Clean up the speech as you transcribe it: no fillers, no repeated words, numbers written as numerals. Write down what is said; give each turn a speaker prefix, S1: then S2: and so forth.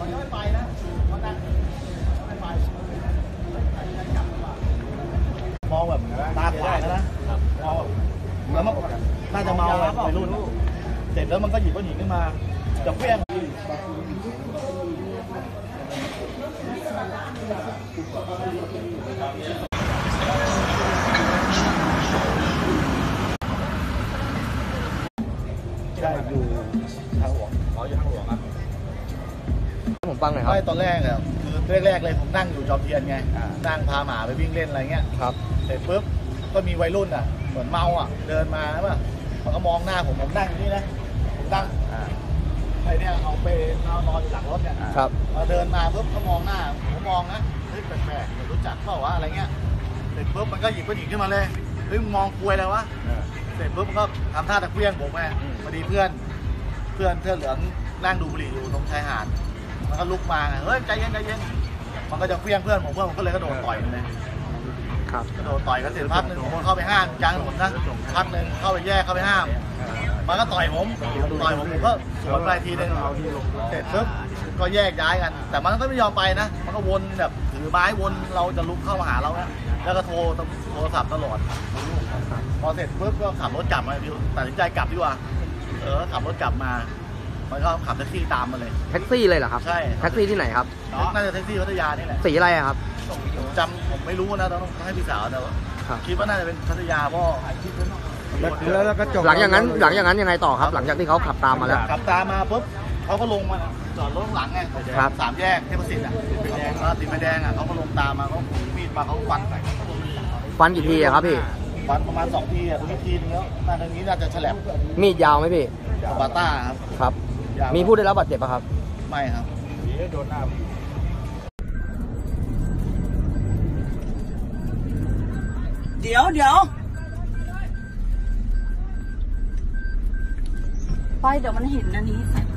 S1: มันยังไม่ไปนะมันนั่งไม่ไปมองแบบตาขวางนะมองแล้วมันน่าจะเมาไปรุ่นเสร็จแล้วมันก็หยิบก้อนหินขึ้นมาจะเพี้ยงใช่อยู่ทางหลวงอยู่ทางหลวงครับ
S2: ผมฟังหน่อยครับ
S1: ตอนแรกเนี่ยคือแรกเลยผมนั่งอยู่จอมเทียนไงนั่งพาหมาไปวิ่งเล่นอะไรเงี้ย
S2: ครับ
S1: เสร็จปุ๊บก็มีวัยรุ่นอ่ะเหมือนเมาอ่ะเดินมาใช่ป่ะมันก็มองหน้าผมนั่งอยู่นี่นะผมนั่งไอ้เนี่ยเอาไปนอนอยู่หลังรถเนี่ย
S2: ครับ
S1: พอเดินมาปุ๊บก็มองหน้าผมมองนะเฮ้ยแปลกๆรู้จักเปล่าวะอะไรเงี้ยเสร็จปุ๊บมันก็หยิบก้อนหินขึ้นมาเลยเฮ้ยมองคุยอะไรวะเสร็จปุ๊บมันก็ทำท่าตะเกียงผมไงพอดีเพื่อนเสื้อเหลืองนั่งดูบุหรี่อยู่ตรงชายหาดมันก็ลุกมาเฮ้ยใจเย็นมันก็จะเฟี้ยงเพื่อนผมก็เลยกระโดดต่อยมันเลยกระโดดต่อยกันเสร็จพักหนึ่งผมเข้าไปห้ามกลางถนนนะพักหนึ่งเข้าไปแยกเข้าไปห้ามมันก็ต่อยผมก็สวนไปทีนึงเสร็จปุ๊บก็แยกย้ายกันแต่มันก็ไม่ยอมไปนะมันก็วนแบบถือไม้วนเราจะลุกเข้ามาหาเรานะแล้วก็โทรศัพท์ตลอดพอเสร็จปุ๊บก็ขับรถกลับมาตัดสินใจกลับดีกว่าขับรถกลับมามันก็ขับแท็กซี่ตามมาเลย
S2: แท็กซี่เลยเหรอครับ
S1: ใช่
S2: แท็กซี่ที่ไหนครับ
S1: น่าจะแท็กซี่พัทยานี่แหละ
S2: สีอะไรครับ
S1: ผมไม่รู้นะต้องให้พี่สาวแต่ว่าคิดว่าน่าจะเป็นพัทยาเพราะ
S2: แล้วก็จบหลังอย่างนั้นยังไงต่อครับหลังจากที่เขาขับตามมาแล้ว
S1: ขับตามมาปุ๊บเขาก็ลงมาจอดรถหลังไงสามแยกเทพศิษย์ติดไฟแดงเขาก็ลงตามมาเขาถือมีดมาเขา
S2: ฟันกี่ทีครับพี่
S1: ฟันประมาณ2 ทีตรงนี้ทีนึงแล้วตรงนี้น่าจะแฉลบ
S2: มีดยาวไหมพี่
S1: บาต้า
S2: ครับมีผู้ได้รับบาดเจ็บป่ะครับ
S1: ไม่ครับโดนหน้า
S3: เดี๋ยวไปเดี๋ยวมันเห็นอันนี้